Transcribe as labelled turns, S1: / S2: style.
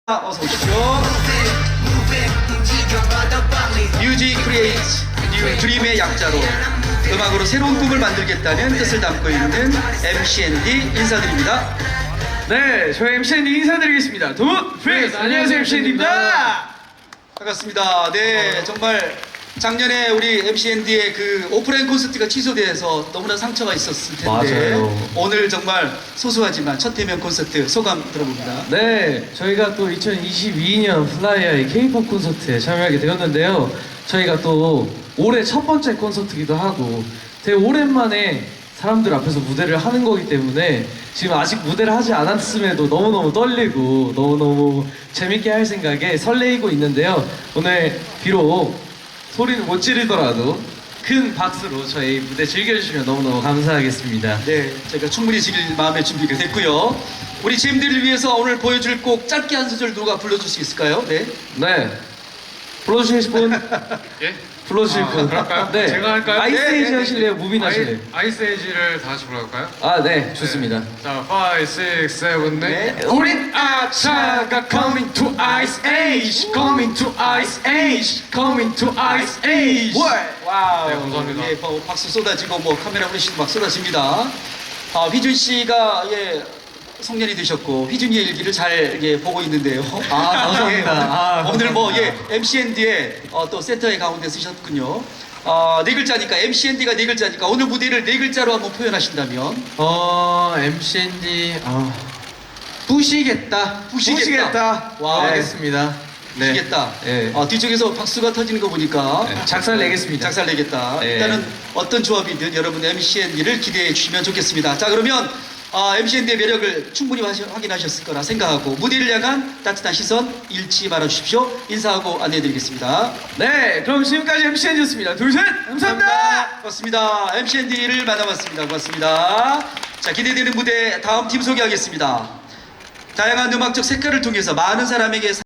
S1: 어서 오십시오. 뮤직 크리에이트 뉴 드림의 약자로 음악으로 새로운 꿈을 만들겠다는 뜻을 담고 있는 MC&D 인사드립니다.
S2: 네, 저희 MC&D 인사드리겠습니다. 도무 프레스! 안녕하세요, MC&D입니다.
S1: 반갑습니다. 네, 정말 작년에 우리 MC&D의 그 오프라인 콘서트가 취소돼서 너무나 상처가 있었을 텐데
S2: 맞아요.
S1: 오늘 정말 소소하지만 첫 대면 콘서트 소감 들어봅니다.
S2: 네, 저희가 또 2022년 플라이아의 K-POP 콘서트에 참여하게 되었는데요. 저희가 또 올해 첫 번째 콘서트기도 하고 되게 오랜만에 사람들 앞에서 무대를 하는 거기 때문에 지금 아직 무대를 하지 않았음에도 너무너무 떨리고 너무너무 재밌게 할 생각에 설레이고 있는데요. 오늘 비록 소리는 못 지르더라도 큰 박수로 저희 무대 즐겨주시면 너무너무 감사하겠습니다.
S1: 네, 저희가 충분히 즐길 마음의 준비가 됐고요. 우리 잼들을 위해서 오늘 보여줄 곡 짧게 한 소절 누가 불러줄 수 있을까요? 네.
S2: 네. 불러주실 분?
S3: 예?
S2: 불러주실 분?
S3: 그럴까요?
S2: 네.
S3: 제가 할까요?
S2: 아이스에이지
S1: 네, 네,
S2: 하실래요? 무빈 하실래요?
S3: 아이스에이지를 다 같이 불러볼까요?
S2: 아, 네. 좋습니다.
S3: 자, 5, 6, 7, 8
S1: 네.
S3: 우린 아차가 coming to ice age coming to ice age coming to ice age
S1: 와우.
S3: 네, 감사합니다.
S1: 예, 박수 쏟아지고 뭐 카메라 후레쉬도 막 쏟아집니다. 휘준 씨가 송년이 되셨고 휘준이의 일기를 잘 보고 있는데요.
S2: 감사합니다. 아,
S1: 오늘 뭐
S2: 감사합니다.
S1: MC&D의 또 센터의 가운데 쓰셨군요. 네 글자니까 MCND가 네 글자니까 오늘 무대를 네 글자로 한번 표현하신다면
S2: MC&D, 부시겠다.
S1: 부시겠다. 와,
S2: 하겠습니다.
S1: 부시겠다.
S2: 네.
S1: 뒤쪽에서 박수가 터지는 거 보니까
S2: 네. 작살 내겠습니다.
S1: 작살 내겠다.
S2: 네.
S1: 일단은 어떤 조합이든 여러분 MC&D를 기대해 주시면 좋겠습니다. 자, 그러면 MC&D의 매력을 충분히 확인하셨을 거라 생각하고 무대를 향한 따뜻한 시선 잃지 말아 주십시오. 인사하고 안내해 드리겠습니다.
S2: 네, 그럼 지금까지 MC&D였습니다. 둘, 셋! 감사합니다!
S1: 고맙습니다. MC&D를 만나봤습니다. 고맙습니다. 자, 기대되는 무대 다음 팀 소개하겠습니다. 다양한 음악적 색깔을 통해서 많은 사람에게